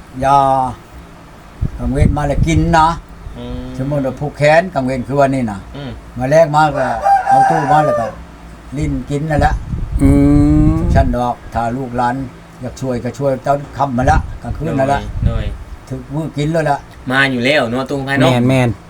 ยากังเวนมาแล้วกินนะสมมุติว่าผูกแขนกังเวนคือวันนี้นะมาแรกมาก็เอาตู้มาแล้วก็ลิ้นกินนั่นแหละฉันดอกถ้าลูกหลานอยากช่วยก็ช่วยตอนค่ำมาละกลางคืนนั่นแหละถึงมื้อกินแล้วล่ะมาอยู่แล้วเนาะตุ้งไผเนาะแม่น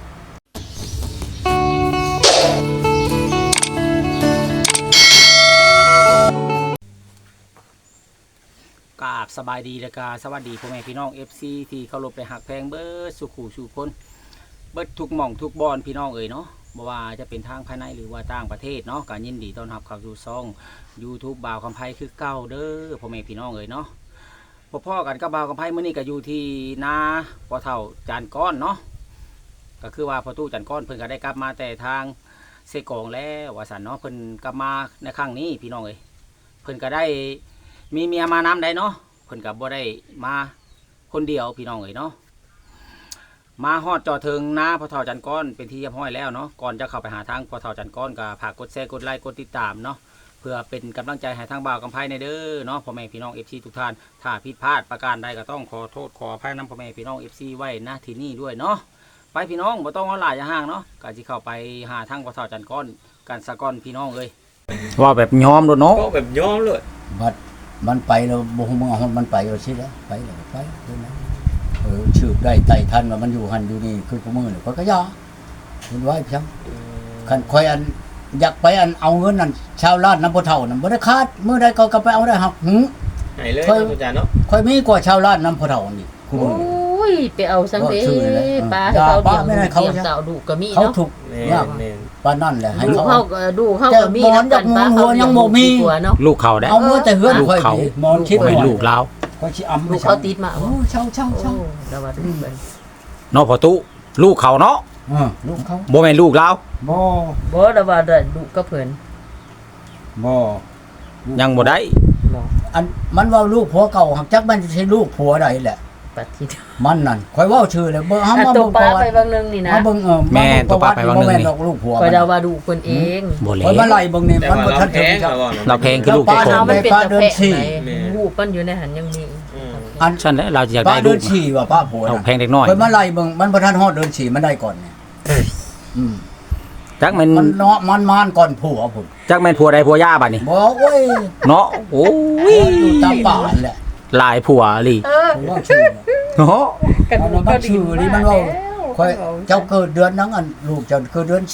กราบสบายดีและกาสวัสดีพ่อแม่พี่น้อง FC ที่เคารพและหักแพงเบิดสุขุสุคนเบิดทุกหม่องทุกบอนพี่น้องเอ๋ยเนาะบ่ว่าจะเป็นทางภายในหรือว่าต่างประเทศเนาะก็ยินดีต้อนรับเข้าสู่ช่อง YouTube บ่าวคำไพคือเก่าเด้อพ่อแม่พี่น้องเอ๋ยเนาะพ่อกันกับบ่าวคำไพมื้อนี้ก็อยู่ที่นาพ่อเฒ่าจานก้อนเนาะก็คือว่าพ่อตู้จานก้อนเพิ่นก็ได้กลับมาแต่ทางเซกองแล้วว่าซั่นเนาะเพิ่นกลับมาในครั้งนี้พี่น้องเอ๋ยเพิ่นก็ได้มีเมียมานำได้เนาะเพิ่นกับบ่ได้มาคนเดียวพี่น้องเอ๋ยเนาะมาฮอดจอถึงนะพ่อเฒ่าจันก้อนเป็นที่เรียบร้อยแล้วเนาะก่อนจะเข้าไปหาทางพ่อเฒ่าจันก้อนก็ฝากกดแชร์กดไลค์กดติดตามเนาะเพื่อเป็นกำลังใจให้ทางบ่าวกำไพในเด้อเนาะพ่อแม่พี่น้อง FC ทุกท่านถ้าผิดพลาดประการใดก็ต้องขอโทษขออภัยนำพ่อแม่พี่น้อง FC ไว้ณที่นี่ด้วยเนาะไปพี่น้องบ่ต้องเอาหลายอย่าห่างเนาะก็สิเข้าไปหาทางพ่อเฒ่าจันก้อนกันสะก้อนพี่น้องเอ้ยว่าแบบยอมโดดเนาะก็แบบยอมเลยบัดมันไปแล้วบ่ฮู้มันไปแล้วสิแล้วไปแล้วไปเท่านั้นชืบได้ไต่ทันว่ามันอยู่หันอยู่นี่คือผู้มือนี่ก็ยาเห็นไว้เพียงคันคอยอันอยากไปอันเอาเงินนั่นชาวลาดน้ำบ่เฒ่านั่นบ่ได้คาดมื้อใดก็ไปเอาได้หักให้เลยอาจารย์เนาะค่อยมีกว่าชาวลาดน้ำบ่เฒ่านี่โอ้ยไปเอาซังเด้ปลาให้เขาเลี้ยงเต่าดุก็มีเนาะเขาถูกยากปานนั่นแหละให้เขาดูเขาก็มีนำกันปลาเขายังบ่มีลูกเขาได้เอาเมื่อแต่เฮือนค่อยมอนคิดเป็นลูกลาวค่อยสิอำลูกเขาติดมาโอ้เช่าแล้วว่าดูเบิ่งเนาะพ่อตู้ลูกเขาเนาะลูกเขาบ่แม่นลูกลาวบ่แล้วว่าได้ลูกก็เพิ่นบ่ยังบ่ได้อันมันว่าลูกผัวเก่าหักจักมันสิลูกผัวใดแหละปัดทิมันนั่นค่อยเว้าชื่อเลยเบิ่งเฮามาเบิ่งปลาไปบางนึงนี่นะเบิ่งแม่ตัวปลาไปบางนึงนี่ลูกผัวข่อยเดาว่าดูคนเองบ่แล้วข่อยมาไล่เบิ่งนี่มันบ่ทันถึงเราแพงคือลูกเจ้าของมันเป็นตะแพะหูมันอยู่ในหันยังมีอันฉันเราอยากได้ลูกเดินฉี่ว่าป้าผัวเราแพงเด็กน้อยข่อยมาไล่เบิ่งมันบ่ทันฮอดเดินฉี่มันได้ก่อนเนี่ยจักมันเนาะมันก่อนผัวพุ่นจักแม่นผัวใดผัวย่าบัดนี้บ่โอ้ยเนาะโอ้ยอยู่ตามป่าแหละหลายผัวลิว่าชื่อเนาะกันก็ชื่อนี่มันว่าค่อยเจ้าเกิดเดือนนั้นอันลูกเจ้าเกิดเดือน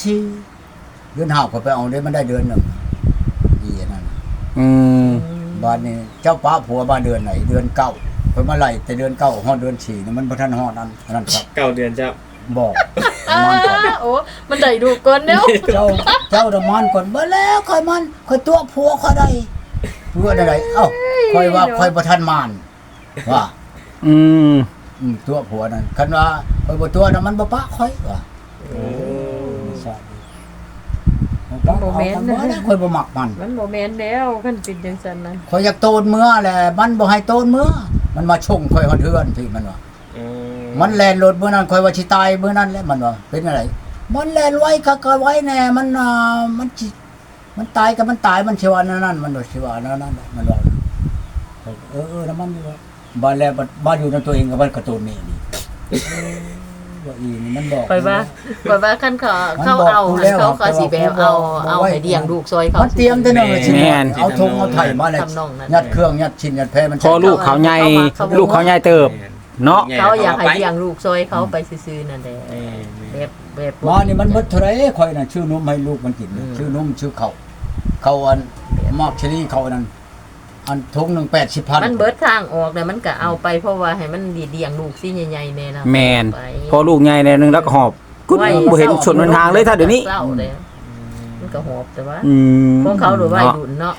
4เดือน5ก็ไปเอาได้มันได้เดือนนึงอีนั่นบ้านนี้เจ้าป้าผัวบ้านเดือนไหนเดือน9ข่อยมาไล่แต่เดือน9ฮอดเดือน4นี่มันบ่ทันฮอดนั่นครับ 9เดือนเจ้าบอกโอ้มันได้ดูก่อนเนาะเจ้าดมันก่อนบ่แล้วค่อยมันค่อยตัวผัวค่อยได้ผัวได้เอ้าค่อยว่าค่อยบ่ทันมานว่าตัวผัวนั่นคันว่าค่อยบ่ตัวนั้นมันบ่ปะค่อยว่าใช่มันบ่แม่นนะค่อยบ่มักมันบ่แม่นแล้วคันเป็นจังซั่นนั้นค่อยอยากโตนเมื่อแหละมันบ่ให้โตนเมื่อมันมาชงค่อยฮอดเฮือนพี่มันว่ามันแล่นรถมื้อนั้นค่อยว่าสิตายมื้อนั้นแหละมันว่าเป็นอะไรมันแล่นไว้ก็ไว้แน่มันตายก็มันตายมันสิว่านั่นมันว่าสิว่านั่นมันว่าแล้วมันว่าบ้านแล้วบ้านอยู่ในตัวเองกับบ้านกระตูนนี่ว่าอีนี่มันบอกไปว่าคันเขาเอาสิไปเอาให้เลี้ยงลูกซอยเขามันเตรียมแต่เนิ่นสิเอาธงเอาไถมาเลยยัดเครื่องยัดชิ้นยัดแพมันพอลูกเขาใหญ่ลูกเขาใหญ่เติบเนาะเขาอยากให้เลี้ยงลูกซอยเขาไปซื่อๆนั่นแหละแบบมานี่มันเบิดเท่าไหร่ข่อยน่ะชื่อนมให้ลูกมันกินชื่อนมชื่อเขาอันมอกชลีเขานั่นอันทงนึง 80,000 มันเบิดทางออกแล้วมันก็เอาไปเพราะว่าให้มันเลี้ยงลูกสิใหญ่ๆแน่นะแม่นพอลูกใหญ่แน่นึงแล้วก็หอบกูบ่เห็นชนมันทางเลยถ้าเดี๋ยวนี้มันก็หอบแต่ว่าของเขาหรือว่าดุนเนาะ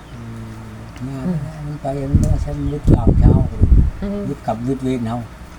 มันไปมันใช้ยึดเช้ายึดกับยึดเวรเฮา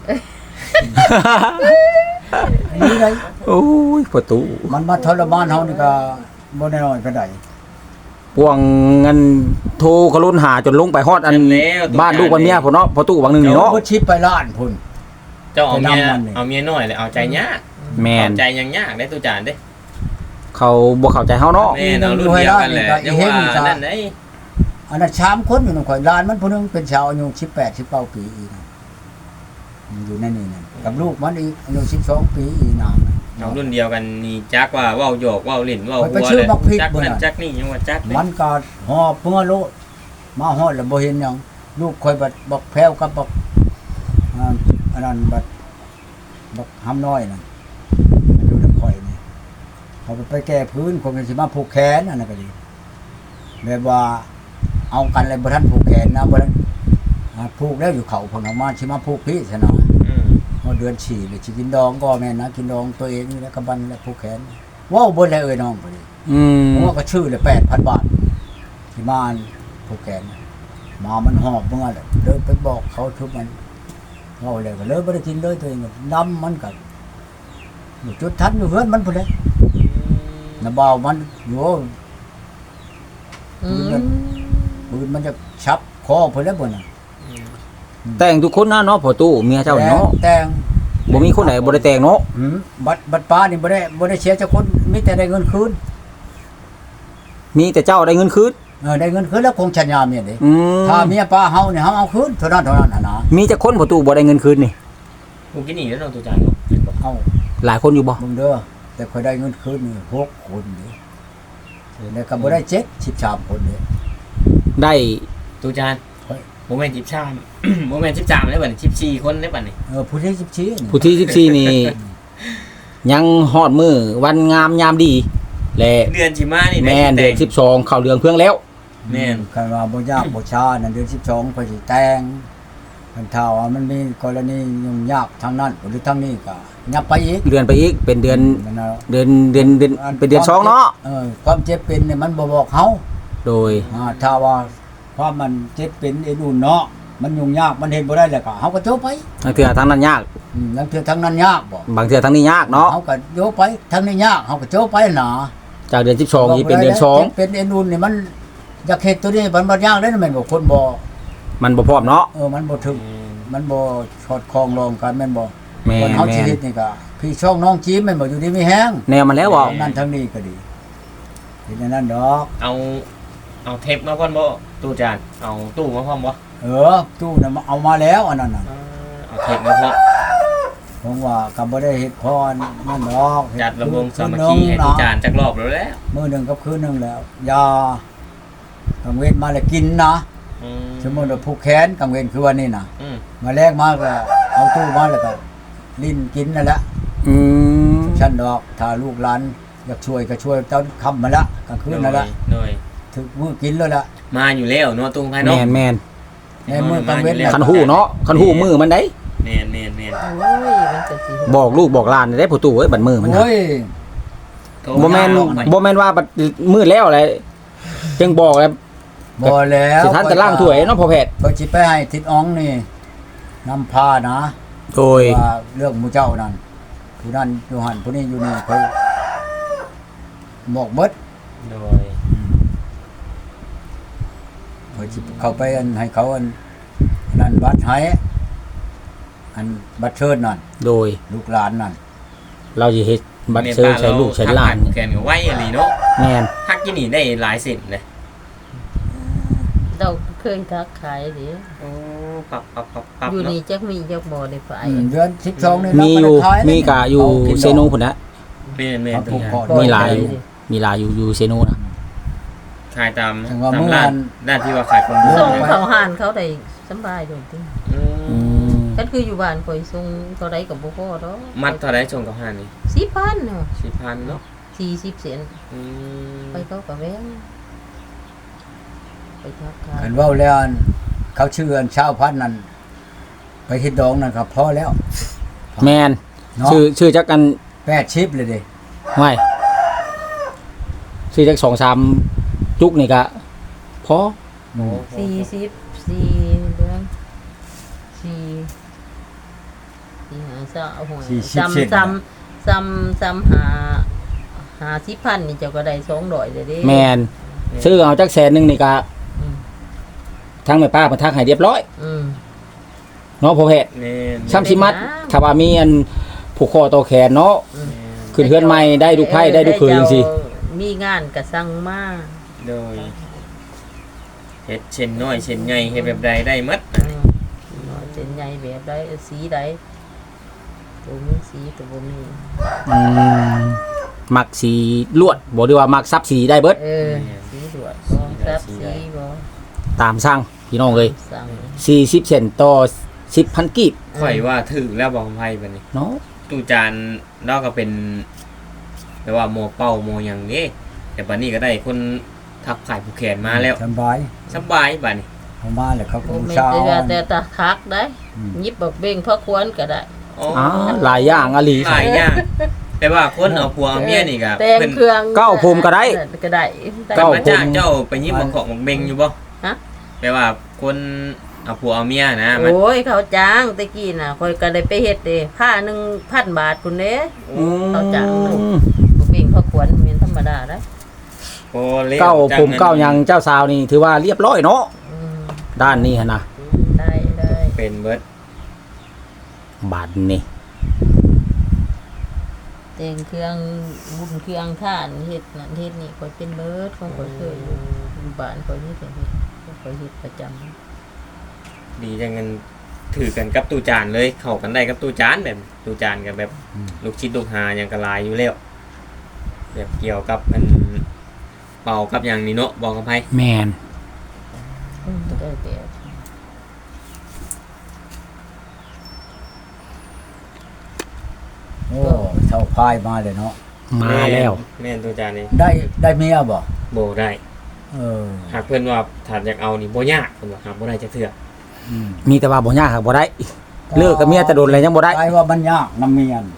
นี่เลยโอ้ยประตูมันมาทรมานเฮานี่ก็บ่น้อยปานใดพวงเงินโทรกระลุนหาจนลงไปฮอดอันบ้านลูกวันเมียพุ่นเนาะพอตู้บางนึงนี่เนาะบ่ชิปไปล้านพุ่นเจ้าเอาเมียน้อยเลยเอาใจยากแม่นใจยังยากได้ตู้จานเด้เขาบ่เข้าใจเฮาเนาะแม่นเอารุ่นเดียวกันแหละยังว่านั่นได้อันนั้น3คนอยู่นำข่อยล้านมันผู้นึงเป็นชาวอายุ18 19ปีอีกอยู่ในนี่นั่นกับลูกมันอีกอายุ12 ปีอีนางน้องรุ่นเดียวกันนี่จักว่าเว้าหยอกเว้าเล่นเว้าหัวไปชื่อบักพริกจักบ่นั่นน่ะจักนี่ยังว่าจักเด้มันก็หอบเมื่อโลดมาฮอดแล้วบ่เห็นหยังลูกคอยบักแพ้วกับบักอันนั้นบักหำน้อยนั่นมันอยู่นำข่อยนี่เขาไปแก้พื้นคนมันสิมาผูกแขนอันนั้นก็ดีแบบว่าเอากันเลยบ่ทันผูกแขนนะบ่ทันผูกแล้วอยู่เขาเพิ่นเอามาสิมาผูกพี่ซะหน่อย เมื่อเดือน4เลยสิกินดองก็แม่นนะกินดองตัวเองนี่แหละกำบันและผู้แขนว้าวเบิ่นแล้วเอ้ยน้องพอดีเพราะว่าก็ชื่อเลย 8,000 บาทที่มาผู้แขนมามันหอบเมื่อเลยเลยไปบอกเขาทุกมันเว้าแล้วก็เลยบ่ได้กินเลยตัวเองก็ดำมันก็อยู่จุดทันอยู่เฮือนมันพุ่นเลยน่ะบ่าวมันอยู่อืมปืนมันจะชับคอพุ่นแล้วบ่น่ะแต่งทุกคนนะเนาะพ่อตู้เมียเจ้าเนาะแต่งบ่มีคนไหนบ่ได้แต่งเนาะบัตรป้านี่บ่ได้เสียจักคนมีแต่ได้เงินคืนมีแต่เจ้าได้เงินคืนได้เงินคืนแล้วคงชัญญาเมียเด้อืมถ้าเมียป้าเฮาเนี่ยเฮาเอาคืนเท่านั้นน่ะนะมีแต่คนพ่อตู้บ่ได้เงินคืนนี่กูกินนี่แล้วน้องตัวจานเนาะเห็นบ่เอาหลายคนอยู่บ่มึงเด้อแต่ค่อยได้เงินคืนนี่6 คนนี่แล้วก็บ่ได้7 13 คนนี่ได้ตัวจานเฮ้ยบ่แม่น13 บ่แม่น13ได้บัดนี้14คนได้บัดนี้ผู้ที่14นี่ผู้ที่14นี่ ยังฮอดมื้อวันงามยามดีและเดือนสิมานี่แม่นได้เดือนสิแต่ง 12เข้าเรืองเพื่องแล้วแม่นคันว่าบ่ยากบ่ช้านั่นเดือน12ค่อยสิแต่งคันถ้าว่ามันมีกรณียุ่งยากทางนั้นหรือทางนี้ก็ยับไปอีกเดือนไปอีกเป็นเดือนนั่นน่ะเป็นเดือนสองเนาะความเจ็บเป็นเนี่ยมันบ่บอกเฮาโดยถ้าว่าความมันเจ็บเป็นไอ้นู่นเนาะมันยุ่งยากมันเฮ็ดบ่ได้แล้วก็เฮาก็โจไปบางเทื่อทางนั้นยากแล้วคือทางนั้นยากบ่บางเทื่อทางนี้ยากเนาะเฮาก็โยไปทางนี้ยากเฮาก็โจไปหนาจากเดือน12นี่เป็นเดือนจ็บเป็นไอ้นู่นนี่มันอยากเฮ็ดตัวนี้มันบ่ยากเลยนะแม่นบ่คนบ่ 2มันบ่พร้อมเนาะมันบ่ถึงมันบ่ชอดคล้องรองกันแม่นบ่แม่คนเฮาชีนวิตนี่ก็พี่ช่องน้องจีมแม่นบ่อยู่ดีมีแฮงแนวมันแล้วบ่ทางนั้นทางนี้ก็ดีเป็นอันนั้นดอกเอาเทปมาก่อนบ่ตู้จานเอาตู้มาพร้อมบ่ตู้น่ะเอามาแล้วอันนั้นน่ะเอาเทปมาพร้อมผมว่าก็บ่ได้เฮ็ดพรนั่นดอกจัดระวงสามัคคีให้ตู้จานจักรอบแล้วแหละมื้อหนึงกับคืนหนึงแล้วยากังเวทมาแล้วกินนะ สมมุติว่าผูกแขนกังเวทคือวันนี้น่ะ มาแลกมาก็เอาตู้มาแล้วก็ลิ้นกินนั่นแหละอืมชั้นดอกถ้าลูกหลานอยากช่วยก็ช่วยตอนค่ำมาละกลางคืนนั่นละโดยถึงมื้อกินแล้วล่ะมาอยู่แล้วเนาะตุ้งไผแม่เนาะนแม่นในมื้อกลางเว้นคันหู้เนาะคันหู้มือมันได้แม่นโอ้ยมันก็สิบอกลูกบอกหลานได้ผู้ตู้เอ้ยบัดมือมันนะโอ้ยบ่แม่นบ่แม่นว่าบัดมือแล้วอะไรจึงบอกแล้วบ่แล้วสิทันแต่ล่างถ้วยเนาะพ่อแพทย์ก็สิไปให้ทิศอ๋องนี่นำพานะโดยว่าเรื่องหมู่เจ้านั่นผู้นั้นอยู่หั่นผู้นี้อยู่นี่ค่อยบอกเบิดโดยค่อยสิเข้าไปอันให้เขาอันนั่นบัตรให้อันบัตรเชิญนั่นโดยลูกหลานนั่นเราสิเฮ็ดบัตรเชิญใช้ลูกใช้หลานแกนก็ไว้อีหลีเนาะแม่นฮักกินนี่ได้หลายเส้นเลยเราเคยทักขายดิโอ้ปับอยู่เนาะนี่จักมีจักบ่ได้ไปเดือน12นี่มีอยู่เราก็ได้ขายมีกะอยู่เอากินดอกเซโนพุ่นนะแม่นเอาๆผูตัวกอย่างคอมีหลายอยู่ มีหลายอยู่เซโนนะขายตามถึงว่าตามเมื่อร้าวัน นด้านที่ว่าขายคนเดียวส่งใช่ไหมเขาห่านเขาได้สำบายอยู่ติอือืมมกันคืออยู่บ้านข่อยส่งเท่าใดก็บ่พอดอกมัดเท่าไรส่งกับห้านี่ 4,000เนาะ 4,000เนาะ 40เซนอืมไปเขาก็แวงไปทักขายเห็นว่าแล้วอันเขาชื่ออันชาวพันธุ์นั่นไปเฮ็ดดองนั่นครับพอแล้วแม่นเนาะชื่อจักกัน 80เลยเด้ไม่ชื่อจัก2-3จุกนี่ก็พอโอ้ 44เดือน4 5 3หา10,000นี่เจ้าก็ได้200เลยเด้แม่นซื้อเอาจักแสนหนึงนี่ก็อืมทางแม่ป้าเพิ่นทักให้เรียบร้อยอืมเนาะพ่อแพทย์แม่นซ้ำสิมัดถ้าว่ามีอันผูกคอต่อแขนเนาะอืมขึ้นเฮือนใหม่ได้ลูกไผ่ได้ลูกเขยจังซี่มีงานก็สั่งมาโดยเฮ็ดเช่นน้อยเช่นใหญ่เฮ็ดแบบใดได้หมดน้อยจะเป็นใหญ่แบบใดสีใดตัวมีสีตัวบ่มีมักสีลวดบ่ได้ว่ามักซับสีได้เบิดสีดวดบ่ซับสีบ่ตามสั่งพี่น้องเอ้ยสั่ง 40เซนต่อ10,000กีบข่อยว่าถึกแล้วบอกไผบัดนี้เนาะตู้จานนอกก็เป็นแปลว่าโมเป้าโมหยังนี้แต่บัดนี้ก็ได้คนทับขายผู้แขนมาแล้วสบายสบายบัดนี้เขามาแล้วเขาก็บ่บูแม่นชาแต่ตาคักได้ยิบบักเบ่งพระควรก็ได้อ๋อหลายอย่างอะลีหลายอย่างแต่ว่าคนเอาผัวเอาเมียนี่ก็แต่งเครื่องเก้าภูมิก็ได้ก็ได้เพิ่นมาจ้างเจ้าไปยิบบักของบักเบงอยู่บ่ฮะแปลว่าคนเอาผัวเอาเมียนะมันโอ้ยเขาจ้างตะกี้น่ะข่อยก็ได้ไปเฮ็ดเด้ผ้า1,000 บาทพุ่นเด้ เขาจ้างหนึ่ง บักเบ่งพระควรแม่นธรรมดาเด้อโอ้เล่นเก้าจังภูมิเก้าหยังเจ้าสาวนี่ถือว่าเรียบร้อยเนาะอืมด้านนี้หั่นน่ะได้ได้เป็นเบิดบาดนี่แต่งเครื่องบุญเครื่องท่านเฮ็ดนั่นเฮ็ดนี่ข่อยเป็นเบิดของข่อยเคยอยู่บ้านข่อยนี่ก็เฮ็ดข่อยเฮ็ดประจำดีจังเงินถือกันกับตู้จานเลยเข้ากันได้กับตู้จานแบบตู้จานกับแบบลูกชิดลูกหาหยังกะลายอยู่แล้วแบบเกี่ยวกับมันเป่ากับอย่างนี้เนาะบอกกับไผแม่นได้แบบโอ้เท่าพายมาเลยเนาะมาแล้วแม่นตู้จานนี่ได้เมียบ่บ่ได้เออหากเพิ่นว่าถ้าอยากเอานี่บ่ยากเพิ่นว่าหาบ่ได้จักเทื่ออืมมีแต่ว่าบ่ยากครับบ่ได้ เลิกกับเมียแต่โดนอะไรยังบ่ได้ไอ้ว่ามันยากน้ำเมียน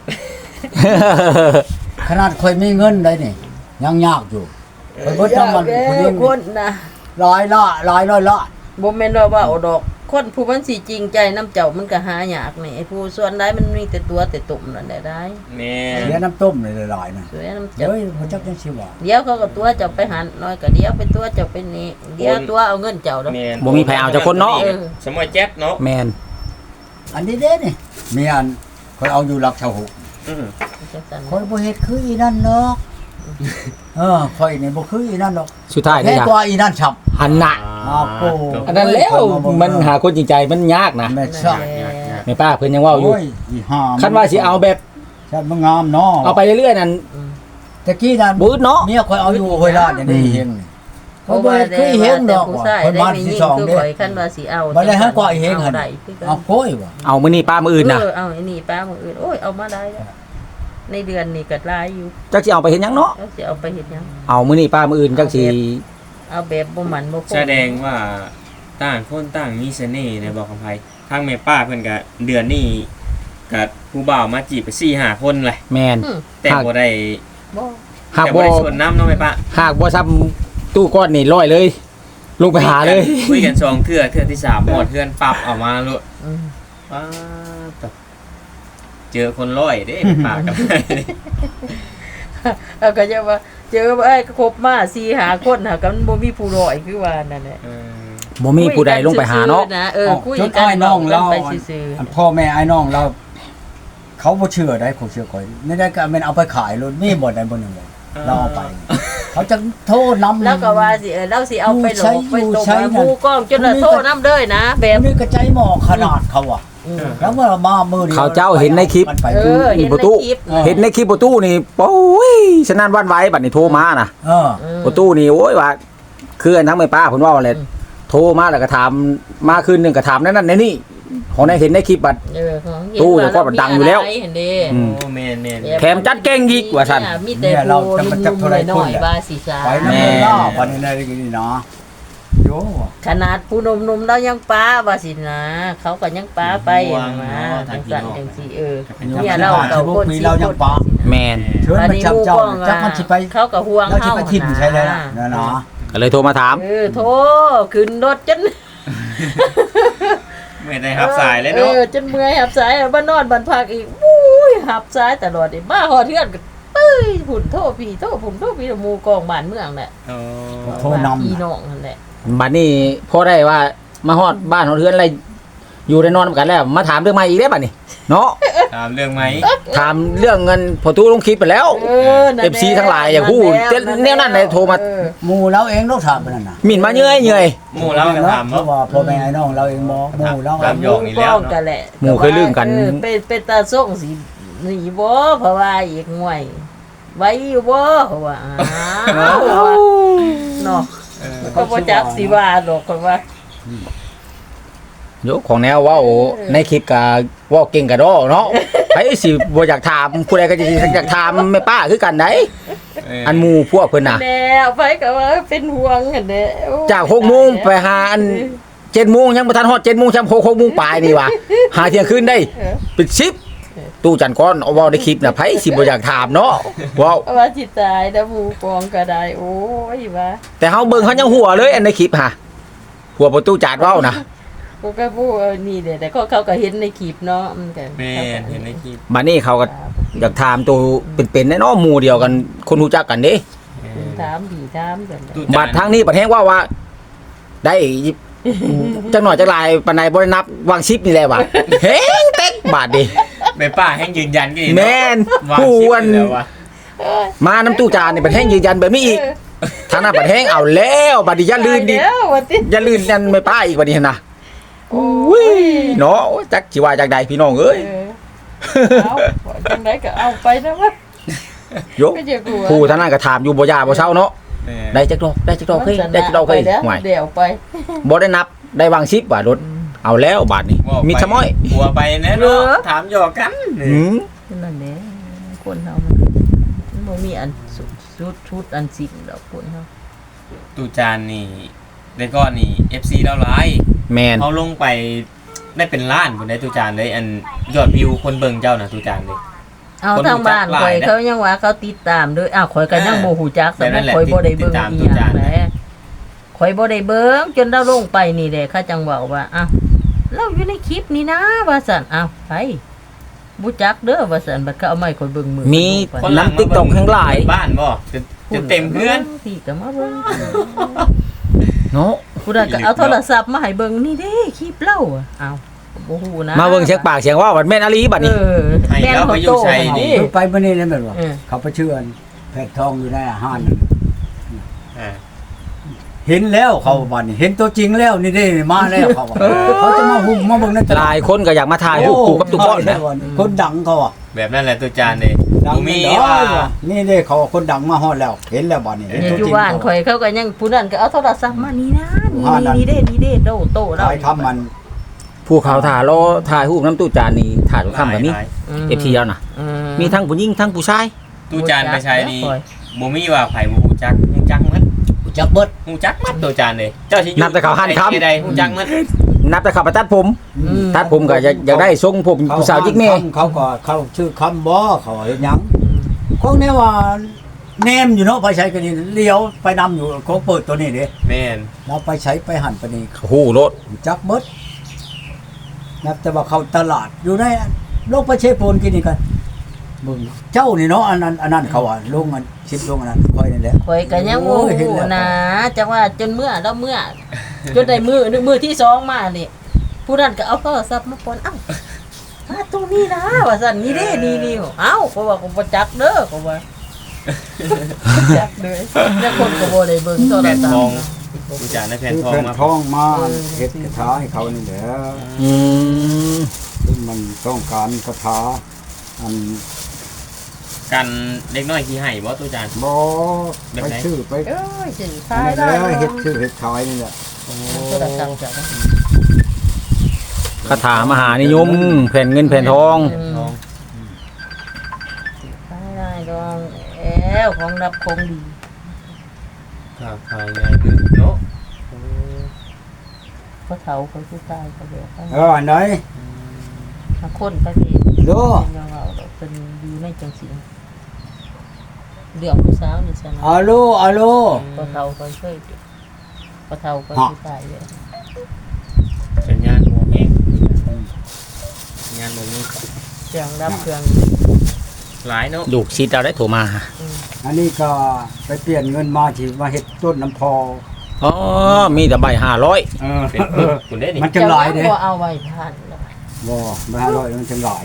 ขนาดค่อยมีเงินได้นี่ยังยากอยู่ไปเบิดน้ำมันผู้หญิงคนนะหลายร้อยละบ่แม่นว่าเอาดอกคนผู้มันสิจริงใจน้ำเจ้ามันก็หายากนี่ไอ้ผู้ส่วนใดมันมีแต่ตัวแต่ตุ่มนั่นแหละได้แม่เสียน้ำต้มเลยหลายๆนะสวยน้ำเจ้าเฮ้ยพระเจ้าจังสิว่าเดี๋ยวเขาก็ตัวเจ้าไปหันน้อยก็เดี๋ยวไปตัวเจ้าไปนี่เดี๋ยวตัวเอาเงินเจ้าดอกแม่นบ่มีไผเอาจักคนเนาะสมัยแจ๊ดเนาะแม่นอันนี้เด้นี่เมียนค่อยเอาอยู่หลักชาวหุอือจังซั่นค่อยบ่เฮ็ดคืออีนั่นเนาะค่อยนี่บ่คืออีนั่นดอกสุดท้ายแค่นี่จ้ะกว่าอีนั่นฉับหันน่ะอ้าวโอ้อันนั้นแล้วมันหาคนจริงใจมันยากนะแม่นั่นซ่าแหละแม่ป้าเพิ่นยังเว้าอยู่โอ้ยอีห่าคันว่าสิเอาแบบฉันมันงามเนาะเอาไปเรื่อยๆนั่นตะกี้นั่นบูดเนาะเมียค่อยเอาอยู่ห้วยลาดอย่างนี้เฮงนี่เพเขาราะบ่ว่าเคยเห็นดอกผู้ว่าชายคนได้บ้านมีที่ยิ่งสองคือเด้ข่อยคันว่าสิเอาบ่ได้ให้กว่าอีเฮงหั่นได้คือกันเอาโค้ยว่ะเอามื้อนี้ป้ามื้ออื่นน่ะเอาไอ้นี่ป้ามื้ออื่นโอ้ยเอามาได้แล้วในเดือนนี้ก็หลายอยู่จักสิเอาไปเฮ็ดหยังเนาะแล้วสิเอาไปเฮ็ดหยังเอามื้อนี้ป้ามื้ออื่นจักสิเอาแบบบ่หมันบ่คงแสดงว่าต่างคนต่างมีเสน่ห์ในบอกกับไผทางแม่ป้าเพิ่นก็เดือนนี้ก็ผู้บ่าวมาจีบไป 4-5 คนเลยแม่นแต่บ่ได้บ่หากแต่บ่บ่ได้ชวนน้ำเนาะแม่ป้าหากบ่ซ้ำตู้ก้อนนี่ร้อยเลยลงไปหาเลยคุยกันสองเทื่อที่3หมดเพื่อนปรับออกมาโลดอืมป้าตบเจอคนร้อยเด้แม่ป้ากับเอาก็จะว่าเจอไอ้ครบมา4 5คนหากันบ่มีผู้ร้อยคือว่านั่นแหละบ่มีผู้ใดลงไปหาเนาะคุยจนกันอ้ายน้องเราไปซื่ออันพ่อแม่อ้ายน้องเรา เขาบ่เชื่อได้เขาเชื่อข่อยไม่ได้ก็แม่นเอาไปขายรถมีบ่ได้บ่หนึงเลยเราเอาไป เขาจะโทษนำๆแล้วก็ว่าสิเราสิเอาไปหลอกไปตบใช้หมู่กล้องจนละโทษนำเด้อนะแบแบบ บนี้ก็ใจหมอขนาดเขาอ่ะอืมแล้วเมื่อมามือดียวเขาเจ้าเห็นในคลิปมันไปเอออีประตูเห็นในคลิปเห็นในคลิปประตูนี่โอ้ยฉะนั้นวันไหวบัดนี้โทรมาน่ะเออประตูนี่โอ้ยว่าคืออันทั้งแม่ป้าเพิ่นว่าว่าอะไรโทรมาแล้วก็ถามมาคืนหนึงก็ถามนั่นในนี่ของในเห็นในคลิปบัดของตู้เนี่ยก็ดังอยู่แล้วเห็นเด้อืมโอ้แม่นแถมจัดเก่งอีกว่าซั่นมีแต่ผู้นุ่มๆน้อยๆว่าสิซาไปน้ำเงินล่าวันนี้ได้นี่เนาะโยขนาดผู้หนุ่มๆเรายังป้าว่าสินะเขาก็ยังป้าไปนะจังซั่นจังซี่เนี่ยเราเก่าคนสิคนแม่นเชิญมาจับเจ้าจับมันสิไปเขาก็ห่วงเราสิเฮาไปทิ่มใช่เลยล่ะนะเนาะก็เลยโทรมาถามโทรขึ้นรถจนไม่ได้รับสายเลยเนาะจนเมื่อยหับสายบ้านนอนบ้านพักอีกอุ้ยหับสายตลอดนี่มาฮอดเทือนก็เอ้ยผุ่นโทษพี่โทษผมโทษพี่หมู่กองบ้านเมืองแหละโอ้โทรนำพี่น้องนั่นแหละบัดนี้พอได้ว่ามาฮอดบ้านฮอดเฮือนอะไรอยู่ได้นอนนำกันแล้วมาถามเรื่องใหม่อีกได้ป่ะนี่เนาะถามเรื่องไหมถามเรื่องเงินพอตู้ลงคลิปไปแล้วนั่นแหละ FC ทั้งหลายอย่าพูดแนวนั้นเลยโทรมาหมู่เราเองต้องถามมันนั่นน่ะหมิ่นมาเยื่อยหมู่เราก็ถามเพว่าราะว่าพ่อแม่ไอ้น้องเราเองบ่หมู่เราถาม หยอกนี่แล้วเนาะกันแหละหมู่เคยลืมกันเป็นตาส่งสิหนีบ่เพราะว่าอีกงวยไว้อยู่บ่เพราะว่าอ้าวเนาะเออก็บ่จักสิว่าดอกเพราะว่าๆยกของแนวเว่าในคลิปก็เว่าเก่งกะดอเนาะไผสิบ่อยากถามผู้ใดก็จะอยากถามแม่ป้าคือกันได้อันหมู่พวกเพิ่นน่ะแน่ไปก็ว่าเป็นห่วงหั่นแหละโอ้ยจาก6 โมงไปหาอัน7 โมงยังบ่ทันฮอด7 โมงจำ6 โมงปลายนี่ว่ะหาเที่ยงคืนได้เออเป็น10ตู้จันก้อนเอาเว้าในคลิปน่ะไผสิบ่อยากถามเนาะเว้าว่าสิตายแล้วหมู่กองก็ได้โอ้ยว่าแต่เฮาเบิ่งเขายังหัวเลยอันในคลิปฮะหัวประตูจานเว้านะกูก็พูดนี่แหละแต่เขาก็เห็นในคลิปเนาะมันก็แม่นเห็นในคลิปบัดนี้เขาก็อยากถามตัวเป็นๆแน่เนาะหมู่เดียวกันคนรู้จักกันเด้ถามดีถามกันตู้บัดทางนี้บัดแฮงว่าได้จักหน่อยจักหลายปานใดบ่ได้นับวาง10นี่แหละว่ะเฮงเต็กบาดดิแม่ป้าแห้งยืนยันกันอีกแม่นวางผู้ชิปอันแล้ววะมาน้ำตู้จานนี่บัดแฮงยืนยันแบบนี้อีกทางนั้นบัดแฮงเอาแล้วบัดนี้อย่าลืมดิเดี๋ยววันที่อย่าลืมนั่นไม่ป้าอีกบัดนี้นะโอ้อุ้ยเนาะจักสิว่าจักใดพี่น้องเอ้ยเอาจังไดก็เอาไปนะวะยกก็จะกลัวผู้ท่านนั้นก็ถามอยู่บ่ยาบ่เช้าเนาะแม่ได้จักดอกได้จักดอกเฮ้ยได้จักดอกเฮ้ยแล้วห่วยเดี๋ยวไปบ่ได้นับได้วางชิปว่ารถเอาแล้วบาทนี้ว่าไปมีทะม้อยหัวไปแน่เนาะถามหยอกกันหืมนั่นแหละคนเฮามันบ่มีอันชุดอันสิ่งดอกคนเฮาตู้จานนี่ได้ก้อนนี่ FC เราหลายแมนเขาลงไปได้เป็นล้านบนได้ตู้จานเลยอันยอดวิวคนเบิ่งเจ้าน่ะตู้จานเลยเอาคนทางบ้านรู้จักหลายข่อยนะเขายังว่าเขาติดตามด้วยอ้าวข่อยก็ยังบ่ฮู้จักแต่สำหนั่รับนแหละข่อยบ่ได้เบิ่งติดตามอีตู้หยัจาง นแหละข่อยบ่ได้เบิ่งจนเราลงไปนี่แหละเขาจังเว้าว่าอ้าวเราอยู่ในคลิปนี่นะว่าซั่นอ้าวไปบ่จักเด้อว่าซั่นบัดเขาเอาไม้ข่อยเบิ่งมือมีไปคนหลังน้ำ TikTok ทั้งหลายบ้านบ่จะเต็มเพื่อนพี่ก็มาเบิ่งเนาะผู้ใดก็เอาโทรศัพท์มาให้เบิ่งนี่เด้คลิปเราอะอ้าวบ่ฮู้นะมาเบิ่งเสียงปากเสียงว่าบัดแม่นอลีบัดนี้ให้เราไปอยู่ใส่นี่คือไปมื้อนี้นั่นแม่นบ่เออเขาไปเชื่อนแพทย์ทองอยู่ในอาหารนั่นอ่าเห็นแล้วเขาบัดนี้เห็นตัวจริงแล้วนี่เด้มาแล้วเขาว่าเขาจะมาหุ่มมาเบิ่งในตหลาลาดยคนก็อยากมาถ่ายรูปคู่กับตุ๊กบอลนะคนดังเขาอ่ะแบบนั้นแหละตู้จานเลยดังบ่มีแน่นอนว่าว่ะนี่เด้เขาคนดังมาฮอดแล้ว เห็นแล้วบัดนี้เห็นเนี่ยตัวอยู่จริงบ้านเขาข่อยเขาก็ยังผู้นั้นก็เอาโทรศัพท์มานี่นะนี่เด้โตเราถ่ายทำมันผู้เขาถ่ายรอถ่ายรูปน้ำตู้จานนี่ถ่ายทุกคำแบบนี้ FT แล้วนะมีทั้งผู้หญิงทั้งผู้ชายตู้จานไปใช้นี่บ่มีว่าไผบ่ฮู้จักฮู้จักหมดรู้จักเบิดฮู้จักหมดตู้จานเลยเจ้าสิอยู่นับแต่เขาหั่นคำใดๆฮู้จักหมดนับแต่ขับไปตัดผมตัดผมก็อยากได้ทรงผมผู้สาวจิกเม่เขาก็เขาชื่อคำบ่เขาเฮ็ดหยังของแนวว่าแนมอยู่เนาะไปใช้กันนี่เลี้ยวไปนำอยู่เขาเปิดตัวนี้เด้แม่นเราไปใช้ไปหันไปนี่โอ้โหรถรู้จักเบิดนับแต่ว่าเขาตลาดอยู่ในโลกประเชโปนกินนี่กันมึงเจ้านี่เนาะอันนั้นเขาอ่ะลงอันชิดลงอันนั้นค่อยนั่นแหละข่อยก็ยังโอ้เห็นแล้วนะจังว่าจนเมื่อแล้วเมื่อจนได้มือที่สองมานี่ผู้นั้นก็เอาโทรศัพท์มาปนเอ้ามาตรงนี้นะว่าซั่นนี่เด้นี่เอ้าก็ว่าก็บ่จักเด้อก็ว่าจักเลยแล้วคนก็บ่ได้เบิ่งโทรแผ่นศัพทองท์ตู้จานได้แผ่นคือทองแผ่นมาทองมาเฮ็ดคาถาให้เขานี่แหละอืมซึ่งมันต้องการคาถาอันกันเล็กน้อยขี้ให้บ่ตู้จานบ่แบบไปไหนชื่อไปเอ้ยสิอัทาน ยนั้นได้แหละเฮ็ดชื่อเฮ็ดขายนี่แหละโทรศัพท์จ้ะคาถามหานิยมแผ่นเงินแผ่นทองทองได้ดองแอวของรับคงดีข้าวขายง่ายคือเนาะเพราะเฒ่าคนผู้ชายก็เดี๋ยวไปอันไหนมาคนไปพี่ดูเป็นยังเราเป็นอยู่ในจังสีเรื่องผู้สาวนี่ใช่ไหมอะโลอะโลเพราะเฒ่าคนเคยเพราะเฒ่าคนผู้ชายเลยสัญญาณหัวเองสัญญาณบ่มีเครื่องรับเครื่องหลายเนาะลูกชิดเราได้โทรมาอันนี้ก็ไปเปลี่ยนเงินมาที่มาเฮ็ดต้นน้ำพออ๋อมีแต่ใบ500 เป็นคุณได้นี่มันจะหลายเด้บ่เอาไว้ทานแล้วบ่มา500มันจะหลาย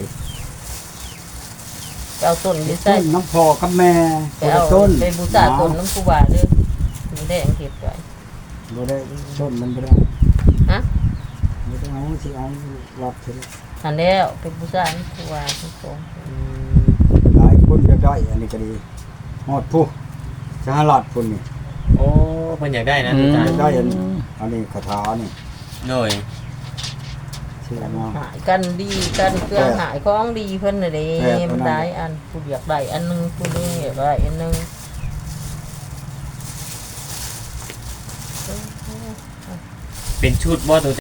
ไปเอาต้นนี้ต้ใส่นน้ำพ่อกับแม่ไปเอาต้นไปบูชาต้นน้ำครูบาเด้อมีได้อังเก็บไว้บ่ได้ต้นมันบ่ได้ฮะบ่ได้เอาสิเอารับเถอะหันแล้วไปบูชาน้ำครูบาทุกคนหลายคนจะได้อันนี้ก็ดีฮอดผู้สหรัฐพุ่นนี่โอ้เพิ่นอยากได้นะตุจานได้อันนี้คาถานี่โดยชื่อมาหายกันดีกันเครื่องหายของดีเพิ่นน่ะเด้แซ่บมันเท่านั้นได้อันผู้อยากได้อันหนึงผู้นึงอยากได้อันหนึงเป็นชุดบ่ตุ